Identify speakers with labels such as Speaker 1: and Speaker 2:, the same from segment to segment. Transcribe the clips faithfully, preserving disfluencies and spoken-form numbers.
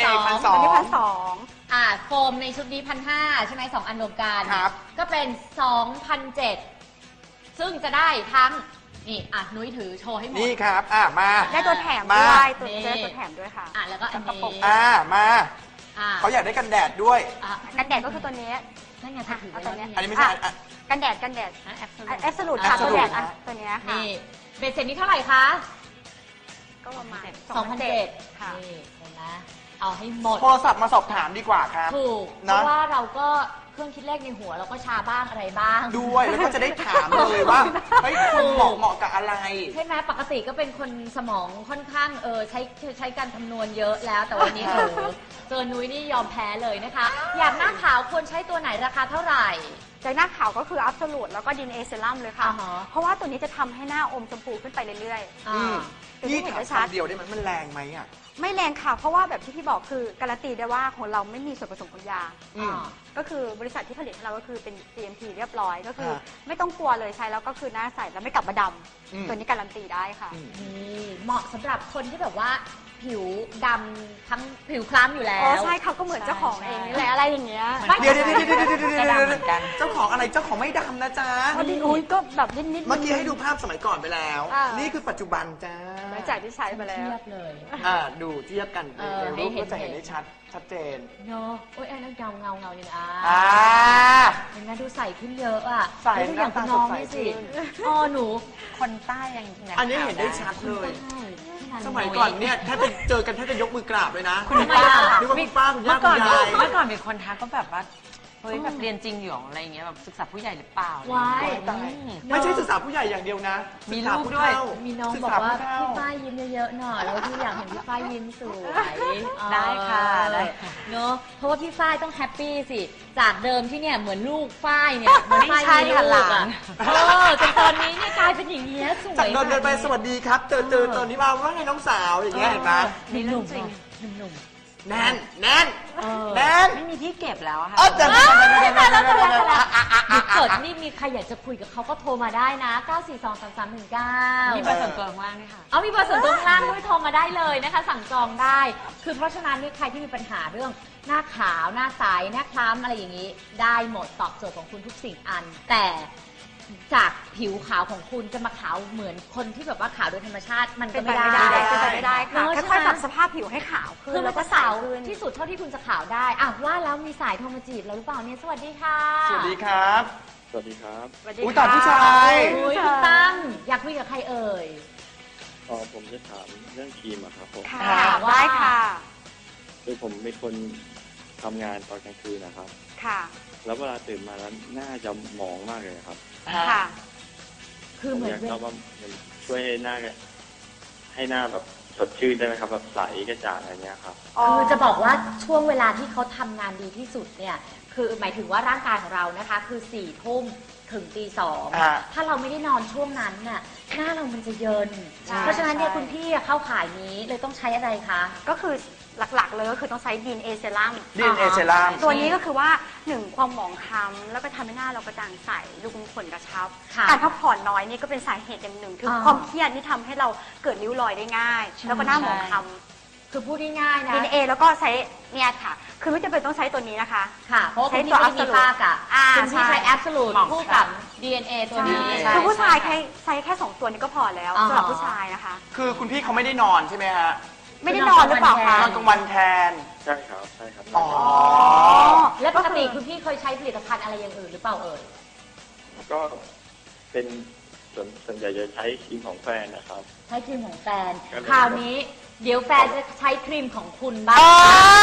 Speaker 1: สอง
Speaker 2: พันสอง
Speaker 3: ตัวนี้พันสอง
Speaker 1: อ่าโฟมในชุดนี้พันห้าใช่ไหมสองอันรวมกัน
Speaker 2: ครับ
Speaker 1: ก็เป็นสองพันเจ็ดซึ่งจะได้ทั้งนี่อ่ะนุ้ยถือโชว์ให้หมด
Speaker 2: นี่ครับอ่ะมา
Speaker 3: ได้ตัวแถม
Speaker 2: มา
Speaker 3: ด้วยตัว
Speaker 1: นี่
Speaker 3: จะได้ตัวแถมด้วยค่ะ
Speaker 1: อ่ะแล้วก็อัน
Speaker 3: กระปุ
Speaker 1: นี้
Speaker 3: ก
Speaker 2: อ่ามา
Speaker 1: อ่ะ
Speaker 2: เขาอยากได้กันแดดด้วย
Speaker 1: อ่ะ
Speaker 3: กันแดดก็คือตัวนี้
Speaker 1: นั่นไงถ้าถือไว้
Speaker 3: เอาตัวเนี้
Speaker 1: แล้ว
Speaker 3: ย
Speaker 2: อันนี้ไม่ใช่อ่ะ
Speaker 3: กันแดดกันแดด
Speaker 1: แอป
Speaker 3: แอปสลูดค่ะ
Speaker 2: Absolute
Speaker 3: ตัวแดด
Speaker 2: ครั
Speaker 3: อ่ะ
Speaker 2: บ
Speaker 3: ตัวเนี้ยค่ะ
Speaker 1: นี่เบ็ดเสร็จนี้เท่าไหร่คะ
Speaker 3: ก็ประมาณ
Speaker 1: สองพันเจ็ด
Speaker 3: ค่ะ
Speaker 1: นี่เห็นไหมเอาให้หมด
Speaker 2: โทรศัพท์มาสอบถามดีกว่าครับ
Speaker 1: ถูก เพ
Speaker 2: นะ
Speaker 1: ราะว่าเราก็เครื่องคิดเลขในหัวเราก็ชาบ้างอะไรบ้าง
Speaker 2: ด้วยแล้วก็จะได้ถามเลยว่าเฮ้ยคุณเหมาะเหมาะกับอะไร
Speaker 1: ใช่ไหมปกติก็เป็นคนสมองค่อนข้างเออใช้ใช้การคำนวณเยอะแล้ว แต่วันนี้เออเจอนุ้ยนี่ยอมแพ้เลยนะคะ อยากหน้าขาวควรใช้ตัวไหนราคาเท่าไหร่
Speaker 3: จากหน้าขาวก็คืออัพสลูดแล้วก็ดินเอเซรั่มเลยค่ะ
Speaker 1: อ่าฮะ
Speaker 3: เพราะว่าตัวนี้จะทำให้หน้าอมชมพูขึ้นไปเรื่อย
Speaker 1: อ่า
Speaker 3: ๆตัว
Speaker 2: พี่
Speaker 3: นี้เห็น
Speaker 2: ถาม
Speaker 3: ได้ชัด
Speaker 2: คำเดียวได้ไหมมันแรงไหมอ่ะ
Speaker 3: ไม่แรงค่ะ เพราะว่าแบบที่พี่บอกคือการันตีได้ว่าของเราไม่มีส่วนผสมของยา
Speaker 2: อืม
Speaker 3: ก็คือบริษัทที่ผลิตให้เราก็คือเป็น จี เอ็ม พี เรียบร้อย ก็คือ
Speaker 2: ฮะ
Speaker 3: ไม่ต้องกลัวเลยใช้แล้วก็คือหน้าใสแล้วไม่กลับมาด
Speaker 2: อืม
Speaker 3: ำตัวนี้การันตีได้ค่ะ
Speaker 2: อืม
Speaker 1: นี่เหมาะสำหรับคนที่แบบว่าผิวดำทั้งผิวคล้ำอยู่แล้
Speaker 3: อ๋อ
Speaker 1: ว
Speaker 3: ใช่เขาก็เหมือนเจ้าของ
Speaker 1: ใช่
Speaker 3: เองนี่แหละอะไรอย่างเงี้ย
Speaker 1: ไม่
Speaker 2: เดี๋ยวเดี๋ยวเดี๋ยวเดี๋ยวเดี๋ยวเดี๋ยว
Speaker 1: จะ
Speaker 2: เดี๋ยว
Speaker 1: ดำเหมือนกัน
Speaker 2: เจ้าของอะไรเจ้าของไม่ดำนะจ๊ะ
Speaker 3: พอดีอุ้ยก็แบบนิดๆ
Speaker 2: เมื่อกี้ให้ดูภาพสมัยก่อนไปแล้ว
Speaker 3: อ่า
Speaker 2: นี่คือปัจจุบันจ้า
Speaker 3: หลังจากที่ใช้ไปแล้ว
Speaker 1: เทียบเลย
Speaker 2: อ่าดูเทียบกัน
Speaker 1: เออ
Speaker 2: ในรูป
Speaker 1: ให้เห็น
Speaker 2: ก็จะเห็นได้ชัดชัดเจน
Speaker 1: เนาะโอ้ยไอ้นั่นเงาเงาเงาเนี่ยอ่ะ
Speaker 2: อ่า
Speaker 1: เห็นไหมดูใสขึ้นเยอะอ่ะ
Speaker 2: ใส
Speaker 1: แล้วดูอย่างคุณน้องนี่สิ
Speaker 2: หน้าตาสดใสขึ้น
Speaker 1: อ๋อหนู
Speaker 4: คนใต้ยังแหก
Speaker 2: อันนี้เห็นได้ชัดเลย
Speaker 1: ใช่ที่ร้า
Speaker 2: สมัยก่อนเนี่ยถ้าจะเจอกันถ้าจะยกมือกราบเลยนะ
Speaker 1: คุณป้า
Speaker 2: นึกว่าคุณป้าคุณย่า
Speaker 4: เมื่อ
Speaker 2: คุ
Speaker 4: ก่อน
Speaker 2: ณยาย
Speaker 4: เมื่อก่อนมีคนทักก็แบบว่าเฮ้ยแบบเรียนจริงอยู่หรออะไรอย่างเงี้ยแบบศึกษาผู้ใหญ่หรือเปล่า
Speaker 1: ว้าย
Speaker 4: อืม
Speaker 2: ไม่ใช่ศึกษาผู้ใหญ่อย่างเดียวนะ
Speaker 4: มี
Speaker 2: ศึษา
Speaker 4: ลูก
Speaker 2: ผู้
Speaker 4: ด้วย
Speaker 2: เฒ่
Speaker 1: มีน้อง
Speaker 2: ศึ
Speaker 1: บอก
Speaker 2: ษ
Speaker 1: ว่า
Speaker 2: ผู้เฒ่
Speaker 1: พี่ฝ้ายยิ้มเยอะๆหน่อยแล้วพี่อยากเห็นพี่ฝ้ายยิ้มสวย
Speaker 4: ได้ค่ะได้ค่ะ
Speaker 1: เนอะเพราะว่าพี่ฝ้ายต้องแฮปปี้สิจากเดิมที่เนี่ยเหมือนลูกฝ้ายเนี่ยเหมือนฝ้าย
Speaker 4: ไม่ใช่
Speaker 1: มีลู
Speaker 4: ค่ะ
Speaker 1: ก
Speaker 4: หลา
Speaker 1: อ่ะ
Speaker 4: น
Speaker 1: เออจนตอนนี้เนี่ยกลายเป็นอย่างเงี้ยสวย
Speaker 2: จากเดินเดินไป
Speaker 1: แบบ
Speaker 2: สวัสดีครับ เจอเจอตอนนี้มาว่าไงน้องสาวอย่างเงี้ยเห็นไหม
Speaker 4: นี่เรื่องจริง
Speaker 1: หนุ่ม
Speaker 2: แน่นแน่น
Speaker 1: ๆเออ
Speaker 2: แน่น
Speaker 4: ไม่มีที่เก็บแล้วอะค่ะ
Speaker 2: เออแต่
Speaker 1: เอ้ยตายแล้วตายแล้วตายแล้วหยุดเกิดนี่มีใครอยากจะคุยกับเขาก็โทรมาได้นะ เก้า สี่ สอง สาม สาม หนึ่ง เก้า
Speaker 4: มีเบอร์ส่วนตัวข้างล่างด้วยค่ะ
Speaker 1: เอามีเบอร์ส่วนตัวข้างล่างด้วยโทรมาได้เลยนะคะ สั่งจองได้ คือเพราะฉะนั้นนี่ใครที่มีปัญหาเรื่องหน้าขาวหน้าใสหน้าคล้ำอะไรอย่างนี้ ได้หมดตอบโจทย์ของคุณทุกสิ่งอัน แต่จากผิวขาวของคุณจะมาขาวเหมือนคนที่แบบว่าขาวโดยธรรมชาติมัน
Speaker 3: เป็
Speaker 1: ก็
Speaker 3: น
Speaker 1: ไม่
Speaker 3: ไป
Speaker 1: ได้
Speaker 3: ไม่ได้เป็นไปไม่ได้ค่ะ
Speaker 1: เนอะ
Speaker 3: ค่อยๆ
Speaker 1: ใช่ไหม
Speaker 3: ปรับสภาพผิวให้ขาวขึ้น
Speaker 1: คือมั
Speaker 3: แล้
Speaker 1: น
Speaker 3: วก็
Speaker 1: จะ
Speaker 3: ใส
Speaker 1: ขาว
Speaker 3: ขึ้น
Speaker 1: ที่สุดเท่าที่คุณจะขาวได้อ่ะว่าแล้วมีสายโทรมาจีบเราหรือเปล่าเนี่ยสวัสดีค่ะ
Speaker 2: สวัสดีครับ
Speaker 5: สวัสดีครับ
Speaker 3: สวัสดี
Speaker 2: อุ๊ย
Speaker 3: ค่ะ
Speaker 2: ตาผู้ชาย
Speaker 1: อุ้ยคุณตั้มอยากคุยกับใครเอ่ย
Speaker 5: เออผมจะถามเรื่องครีมอะครับผม
Speaker 3: ค่ะ
Speaker 1: ค่ะว่า
Speaker 3: ได้ค่ะ
Speaker 5: คือผมเป็นคนทำงานตอนกลางคืนนะครับ
Speaker 3: ค่ะ
Speaker 5: แล้วเวลาตื่นมาแล้วหน้าจะหมองมากเลยครับ
Speaker 3: ค่ะ
Speaker 1: คือ
Speaker 5: ผม
Speaker 1: เหมือ
Speaker 5: อน ยาก
Speaker 1: เว
Speaker 5: ทรา
Speaker 1: ลา
Speaker 5: บว่ามันช่วยให้หน้าให้หน้าแบบสดชื่นได้ไหมครับแบบใสกระจ่างอะไรเงี้ยครับ
Speaker 1: คือจะบอกว่าช่วงเวลาที่เขาทำงานดีที่สุดเนี่ย คือหมายถึงว่าร่างกายของเรานะคะ คือสี่ทุ่มถึงตีสอง
Speaker 2: อ่า
Speaker 1: ถ้าเราไม่ได้นอนช่วงนั้นน่ะหน้าเรามันจะเยิน
Speaker 3: ใช่
Speaker 1: เพราะฉะนั้นเนี่ย
Speaker 3: ใช่
Speaker 1: คุณพี่อะเข้าขายนี้เลยต้องใช้อะไรคะ
Speaker 3: ก็คือหลักๆ เลยก็คือต้องใช้ดีนเอเซรั่ม
Speaker 2: ดีเอเซรั่ม
Speaker 3: ตัวนี้ก็คือว่าหนึ่งความหมองคล้ำแล้วก็ทำให้หน้าเรากระจ่างใสดูขุมขนกระชับ
Speaker 1: ค่ะ
Speaker 3: การพักผ่อนน้อยนี่ก็เป็นสาเหตุอย่างหนึ่งคืออา ความเครียดนี่ทำให้เราเกิดริ้วรอยได้ง่าย แล้วก็หน้าหมองคล้ำ
Speaker 1: คือพูดง่ายๆนะ
Speaker 3: ดีเอแล้วก็ใช้เนี่ยค่ะ คือไม่จำเป็นต้องใช้ตัวนี้นะคะ
Speaker 1: ค่ะ เพราะว่า
Speaker 3: ใช้
Speaker 1: คุณพี่
Speaker 3: ตัว
Speaker 1: ไม่ได้มี
Speaker 3: Absolute
Speaker 1: ฝ้ากะ
Speaker 3: อ่า
Speaker 1: คุณพี่ใช้
Speaker 3: ใช่
Speaker 1: Absolute คู่กับ ดี เอ็น เอ ตัวนี้
Speaker 3: ใช่คือผู้ชายแค่ใช้แค่สองตัวนี้ก็พอแล้ว
Speaker 1: อ๋อ
Speaker 3: สำหรับผู้ชายนะคะ
Speaker 2: คือคุณพี่เขาไม่ได้นอนใช่ไหมฮะ
Speaker 3: ไม่ได้นอนหรือเปล่าคะ
Speaker 2: นอนกลางวันแทน
Speaker 5: ใช่ครับ ใช่ครับ
Speaker 2: อ๋อ
Speaker 1: และปกติคุณพี่เคยใช้ผลิตภัณฑ์อะไรอย่างอื่นหรือเปล่าเอ่ย
Speaker 5: ก็เป็นส่วนส่วนใหญ่จะใช้ครีมของแฟนนะครับ
Speaker 1: ใช้ครีมของแฟน
Speaker 5: ก็เลย
Speaker 1: คราวนี้เดี๋ยวแฟนจะใช้ครีมของคุณบ้าง
Speaker 2: อ๋อ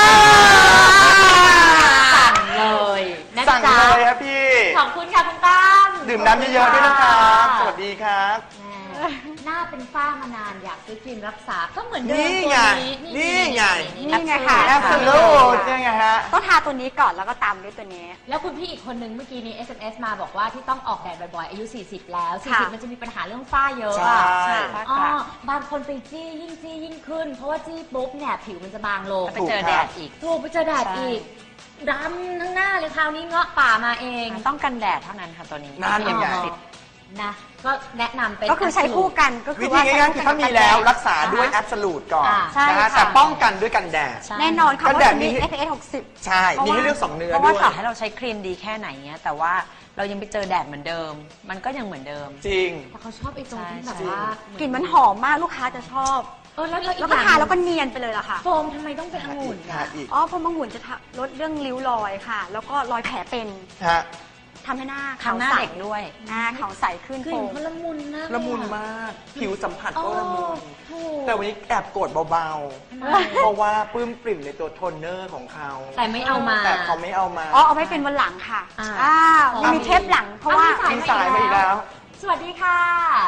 Speaker 1: สั่งเลยนะ
Speaker 2: สั่ง
Speaker 1: จ๊ะ
Speaker 2: เลยครับพี่
Speaker 1: ขอบคุณค่ะคุณตั้ม
Speaker 2: ดื่มน้ำเยอะๆด้วยนะครับ สวัสดีครับ
Speaker 1: แม่หน้าเป็นฝ้ามานานอยากซื้อครีมรักษาก็เหมือนเดิม
Speaker 2: นี่
Speaker 1: ตัว
Speaker 2: ไง
Speaker 1: นี้
Speaker 2: นี่ไง
Speaker 3: นี่ไงค่ะ
Speaker 2: แอ
Speaker 3: แอ
Speaker 2: ป
Speaker 3: ป
Speaker 2: เปิ
Speaker 3: เปิ
Speaker 2: ล
Speaker 3: ล
Speaker 2: โล
Speaker 3: โล
Speaker 2: ดเนี่ยไงฮะ
Speaker 3: ต้องทาตัวนี้ก่อนแล้วก็ตามด้วยตัวนี้
Speaker 1: แล้วคุณพี่อีกคนนึงเมื่อกี้นี้ เอส เอ็ม เอส มาบอกว่าที่ต้องออกแดดบ่อยๆ อายุ สี่สิบ แล้ว สี่สิบ
Speaker 3: ค่ะ
Speaker 1: มันจะมีปัญหาเรื่องฝ้าเยอะ
Speaker 2: ใช่
Speaker 1: อะ อ๋อบางคนไปจี้ยิ่งจี้ยิ่งขึ้น เพราะว่าจี้ปุ๊บเนี่ยผิวมันจะบางลง
Speaker 4: ไปเจอแดดอีก
Speaker 1: ถูกไปเจอแดดอีกดำทั้งหน้าเลยคราวนี้เงาะป่ามาเอง
Speaker 4: ต้องกันแดดเท่านั้นค่ะตัวนี้
Speaker 2: นั่นไง
Speaker 4: สิบ
Speaker 1: นะก็แนะนำเป็น
Speaker 3: ก็คือใช้คู่กันก็คื
Speaker 2: วิ
Speaker 3: อ
Speaker 2: ธี
Speaker 3: ว่า
Speaker 2: ง่ายๆคือถ้ามีแล้วรักษาด้วย
Speaker 1: อ่า
Speaker 2: แอบสูตก่อน
Speaker 1: อ่า
Speaker 3: ใช่
Speaker 2: นะฮะ
Speaker 3: ค่ะ
Speaker 2: แต่ป้องกันด้วยกันแดด
Speaker 4: ใช่
Speaker 3: แน่นอนค่ะ
Speaker 2: กัน
Speaker 3: เพ
Speaker 2: แด
Speaker 3: ราะ
Speaker 2: ด
Speaker 3: จะมี
Speaker 2: มี
Speaker 3: เอฟ เอส หกสิบ
Speaker 2: ใช่ มีให้เลือกสองเนื้อ
Speaker 4: เพราะ
Speaker 2: ด้
Speaker 4: ว่า
Speaker 2: วย
Speaker 4: ต่อให้เราใช้ครีมดีแค่ไหนเงี้ยแต่ว่าเรายังไปเจอแดดเหมือนเดิม มันก็ยังเหมือนเดิม
Speaker 2: จริง
Speaker 1: แต่เขาชอบไอ้ตรงที่
Speaker 4: ใช่
Speaker 1: แบบว่าก
Speaker 3: ลิ่นมันหอมมากลูกค้าจะชอบ
Speaker 1: เออแล้วแล้วอี
Speaker 3: แล้ว
Speaker 1: ก
Speaker 3: ก็
Speaker 1: อย่าง
Speaker 3: ทาแล้วก็เนียนไปเลยล่ะค่ะ
Speaker 1: โฟมทำไมต้องเป็นองุ่น
Speaker 2: ทา
Speaker 1: อะ
Speaker 2: อีก
Speaker 3: อ๋อเพราะมะงุ่นจะทะลดเรื่องริ้วรอยค่ะ แล้วก็รอยแผลเป็น
Speaker 2: ฮะ
Speaker 3: ทำให้หน้าขาว
Speaker 4: ทำหน้า
Speaker 3: ใส
Speaker 4: เด็กด้วย
Speaker 3: หน้าขาวใสขึ้น
Speaker 1: ก
Speaker 3: โฟ
Speaker 1: ลิ่น
Speaker 3: ม
Speaker 1: เขาละมุนมาก
Speaker 2: ละมุนมาก ผิวสัมผัสก็ละมุน
Speaker 1: ถูก
Speaker 2: แต่วันนี้แอบโกรธเบา
Speaker 1: ทำไม
Speaker 2: ๆ เพราะว่าปลื้มปริ่มในตัวโทนเนอร์ของเขา
Speaker 1: แต่ไม่เอามา
Speaker 2: แต่เขาไม่เอามา
Speaker 3: อ๋อเอาไว้เป็นวันหลังค่ะ
Speaker 1: อ่า
Speaker 3: อ่า
Speaker 1: อ๋อ
Speaker 3: มันมีเทปหลังเพราะว่า
Speaker 1: อ่ะ
Speaker 2: มีสายมาอีกแล้ว
Speaker 1: สวัสดีค่ะ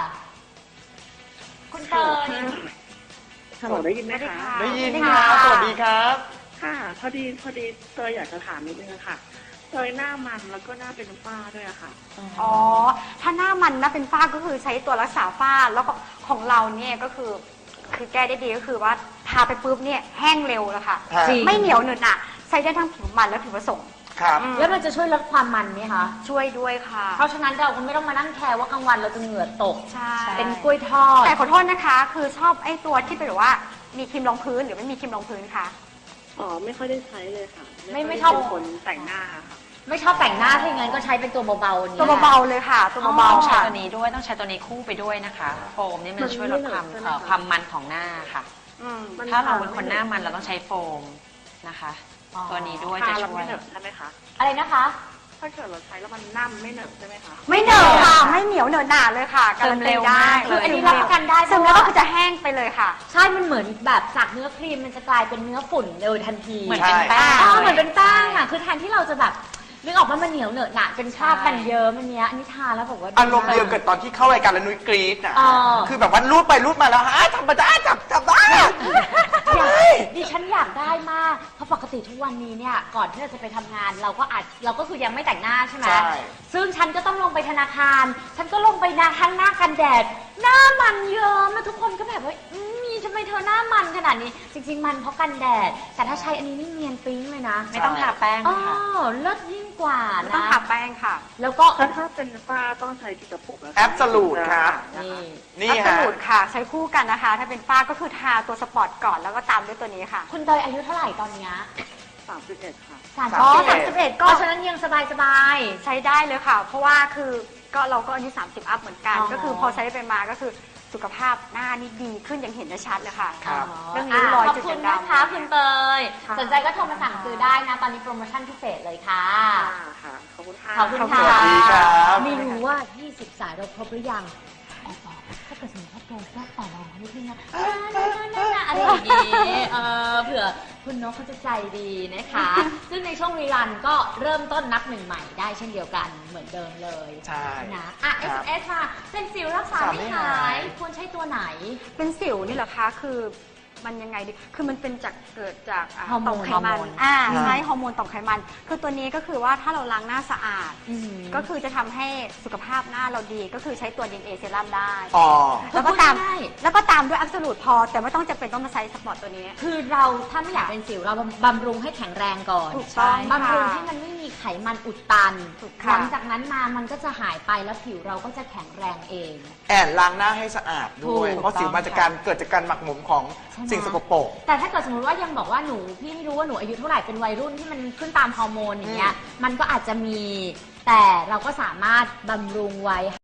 Speaker 1: คุณเตย
Speaker 6: ฮัลโหลได้ยินไหมคะ
Speaker 2: ได้ยิน
Speaker 3: ได้
Speaker 2: ค
Speaker 3: ยิน
Speaker 2: รับ
Speaker 3: ค่ะ
Speaker 2: สวัสดีครับ
Speaker 6: ค่ะ พอดีพอดีเตยอยากจะถามนิดนึงอะค่ะเตยหน้ามันแล้วก็หน้าเป็นฝ้าด้วยอะค่ะ
Speaker 3: อ๋อ ถ้าหน้ามันนะเป็นฝ้าก็คือใช้ตัวรักษาฝ้า แล้วก็ของเราเนี่ยก็คือ คือแก้ได้ดีก็คือว่าทาไปปุ๊บเนี่ยแห้งเร็วแล้วค่ะ
Speaker 2: ฮะ
Speaker 1: จริง
Speaker 3: ไม่เหนียวเหนอะหนะใช้ได้ทั้งผิวมันและผิวผสม
Speaker 2: ครับ
Speaker 3: อืม
Speaker 1: แล้วมันจะช่วยลดความมันไหมคะ
Speaker 3: ช่วยด้วยค่ะ
Speaker 1: เพราะฉะนั้นเราก็ไม่ต้องมานั่งแคร์ว่ากลางวันเราจะเหงื่อตก
Speaker 3: ใช่
Speaker 1: เป็นกล้วยทอด
Speaker 3: แต่ขอโทษนะคะ คือชอบไอ้ตัวที่เป็นแบบว่ามีครีมรองพื้นหรือไม่มีครีมรองพื้นคะ
Speaker 6: อ๋อ ไม่ค่อยได้ใช้เลยค่ะ
Speaker 1: ไม่ไม่
Speaker 6: ค่ย
Speaker 1: ชอบ
Speaker 6: เป็นคนแต่งหน้าค่ะ
Speaker 1: ไม่ชอบแต่งหน้าถ้าอย่างนั้นก็ใช้เป็นตัวเบาๆอันนี้
Speaker 3: ตัวเบาๆเลยค่ะ ตัวเบา
Speaker 4: ต้อง
Speaker 3: ๆ
Speaker 4: ใช้
Speaker 3: ค่ะ
Speaker 4: ตัวนี้ด้วยต้องใช้ตัวนี้คู่ไปด้วยนะคะ โฟมนี่มัน
Speaker 6: มัน
Speaker 4: ช่วยลดความ
Speaker 6: ไม่เหนอะใช่ไหม
Speaker 4: เอ่อ
Speaker 6: คะ
Speaker 4: ความมันของหน้าค่ะ
Speaker 3: อืม
Speaker 6: มัน
Speaker 4: ถ้าเรา
Speaker 6: ท
Speaker 4: เป็นคนหน้ามันเราต้องใช้โฟมนะคะ
Speaker 1: อ๋อ
Speaker 4: ตัวนี้ด้วย
Speaker 6: ทา
Speaker 4: จะ
Speaker 6: แล้ว
Speaker 4: ช่ว
Speaker 6: ไม่
Speaker 4: ย
Speaker 6: เหนอะใช่ไหมคะ
Speaker 1: อะไรนะคะ
Speaker 6: ถ้าเกิดเราใช้แล้วมันน้ำไม่เหนอะใช่ไหมคะ
Speaker 3: ไม่เหนอะค่ะ ไม่เหนียวเหนอะหนาเลยค่ะการันตีได้
Speaker 4: ซึมเร็วมากเลย
Speaker 1: อันนี้รับประกันได้
Speaker 3: ซึม
Speaker 1: เพ
Speaker 3: แล้ว
Speaker 1: ราะว่า
Speaker 3: ก็จะแห้งไปเลยค่ะ
Speaker 1: ใช่ มันเหมือนแบบจากเนื้อครีมมันจะกลายเป็นเนื้อฝุ่นโดยทันที
Speaker 4: เหมือนเป็นแป้ง
Speaker 1: อ๋อเหมือนเป็นแป้งอ่ะ คือแทนที่เราจะแบบนึกออกว่ามันเหนียวเหนอะหนะเป็นคราบมันเยิ้มอันเนี้ยอันนี้ทาแล้วบอกว่า
Speaker 2: อารมณ์เดียวกับตอนที่เข้ารายการแล้วนุ้ยกรี๊ดอ่ะ
Speaker 1: อ๋อ
Speaker 2: คือแบบว่ารูดไปรูดมาแล้วฮะธรรมดาจับจับได้
Speaker 1: อยากดิฉันอยากได้มาก เพราะปกติทุกวันนี้เนี่ย ก่อนที่เราจะไปทำงาน เราก็อาจเราก็คือยังไม่แต่งหน้าใช่ไหม
Speaker 2: ใช่
Speaker 1: ซึ่งฉันก็ต้องลงไปธนาคาร ฉันก็ลงไปนาทั้งหน้ากันแดด หน้ามันเยิ้มแล้วทุกคนก็แบบว่าอืมมีทำไมเธอหน้ามันขนาดนี้ จริง ๆ มันเพราะกันแดด แต่ถ้าใช้อันนี้นี่เนียนปิ๊งเลยนะ
Speaker 4: ไม่ต้องทาแป้ง
Speaker 1: อ๋อ
Speaker 4: ค่ะ
Speaker 1: เลิศยิ่งกว่า
Speaker 3: ไม่
Speaker 1: นะ
Speaker 3: ต้องทาแป้งค่ะ
Speaker 1: แล้วก็
Speaker 6: ถ้าถ้าเป็นฝ้าต้องใช้กี่กระปุกะคะ
Speaker 2: แอบสูตครับ
Speaker 1: นี่
Speaker 2: นี่
Speaker 3: อัพ
Speaker 2: ฮะ
Speaker 3: สูตรค่ะ ใช้คู่กันนะคะ ถ้าเป็นฝ้าก็คือทาตัวสปอร์ตก่อนแล้วก็ตามด้วยตัวนี้ค่ะ
Speaker 1: คุณเตยอายุเท่าไหร่ตอนเนี้ย
Speaker 6: สามสิบเอ็ดค่ะ
Speaker 1: สาม
Speaker 3: อ๋อ
Speaker 1: สิบ
Speaker 3: สามสิบเอ็ด
Speaker 1: เพ
Speaker 3: ก็
Speaker 1: ราะฉะนั้นยังสบายสบายๆ
Speaker 3: ใช้ได้เลยค่ะ เพราะว่าคือก็เราก็อายุสามสิบอัพเหมือนกัน
Speaker 1: อ๋อ
Speaker 3: ก็คือพอใช้ไปมาก็คือสุขภาพหน้านี่ดีขึ้นอย่างเห็นได้ชัดเลยค่ะ
Speaker 2: ครับ
Speaker 3: เรื่องริ้วรอย
Speaker 1: ขอบ
Speaker 3: จุด
Speaker 1: คุณ
Speaker 3: ด่าง
Speaker 1: นะคะ
Speaker 3: ดำ
Speaker 1: คุณเตย
Speaker 6: ค่ะ
Speaker 1: สนใจก็โทรมาสั่งซื้อได้นะ ตอนนี้โปรโมชั่นพิเศษเลยค่ะ
Speaker 6: ค่ะค่ะ ขอบคุณค่ะ
Speaker 1: ขอบคุณ
Speaker 2: ส
Speaker 1: ค่ะ
Speaker 2: วัสดีครับ
Speaker 1: ไม่รู้ว่า ยี่สิบ สายเราครบหรือยังแอบบอกถ้าเกิดสมมติว่าโปรก็ต่อรองนิดนึงนะน่าน่าน่าน่าอะไรอย่างนี้เออเผื่อคุณนกเขาจะใจดีนะคะ ซึ่งในช่วงรีรันก็เริ่มต้นนับหนึ่งใหม่ได้เช่นเดียวกันเหมือนเดิมเลย
Speaker 2: ใช่
Speaker 1: นะอ่ะ
Speaker 2: ค
Speaker 1: เอ
Speaker 2: รั
Speaker 1: ส
Speaker 2: บ
Speaker 1: เอสมาเป็นสิวรักษา
Speaker 2: รักษา
Speaker 1: ไม่
Speaker 2: ไม่
Speaker 1: หา
Speaker 2: หาย ย
Speaker 1: ควรใช้ตัวไหน
Speaker 3: เป็นสิวนี่เหรอคะ คือมันยังไงดี คือมันเป็นจากเกิดจากอ่า
Speaker 1: ฮอร์โมน
Speaker 3: ต่อมไข
Speaker 1: ฮอร์
Speaker 3: มั
Speaker 1: โม
Speaker 3: น
Speaker 1: น
Speaker 3: อ่า
Speaker 2: อ่า
Speaker 3: ใช่ฮอร์โมนต่อมไขมัน คือตัวนี้ก็คือว่าถ้าเราล้างหน้าสะอาด
Speaker 1: อืม
Speaker 3: ก็คือจะทำให้สุขภาพหน้าเราดี ก็คือใช้ตัว ดี เอ็น เอ เซรั่มได้
Speaker 2: อ๋อ
Speaker 3: แล้วก็ตาม
Speaker 1: พูดง่าย
Speaker 3: แล้วก็ตามด้วยอั s ส l u t e พอ แต่ไม่ต้องจำเป็นต้องมาใช้สปอร์ตตัวนี้
Speaker 1: คือเราถ้าไม่อยากเป็นสิวเราบำรุงให้แข็งแรงก่อน
Speaker 3: ถูกต้อง
Speaker 1: บำรุง
Speaker 3: ค่ะ
Speaker 1: ให้มันไม่มีไขมันอุดตัน
Speaker 3: ถูก
Speaker 1: ห
Speaker 3: ค่ะ
Speaker 1: ลังจากนั้นมามันก็จะหายไปแล้วผิวเราก็จะแข็งแรงเอง
Speaker 2: แอนล้างหน้าให้สะอาดด้วย
Speaker 1: ถูก
Speaker 2: เพราะสิวมาจากการเกิดจากการหมักหมมของ
Speaker 1: ใช่ไหม
Speaker 2: สิ่งสกปรก
Speaker 1: แต่ถ้าเกิดสมมติว่ายังบอกว่าหนูพี่ไม่รู้ว่าหนูอายุเท่าไหร่เป็นวัยรุ่นที่มันขึ้นตามฮอร์โมนอย่างเงี้ยมันก็อาจจะมีแต่เราก็สามารถบำรุงไว้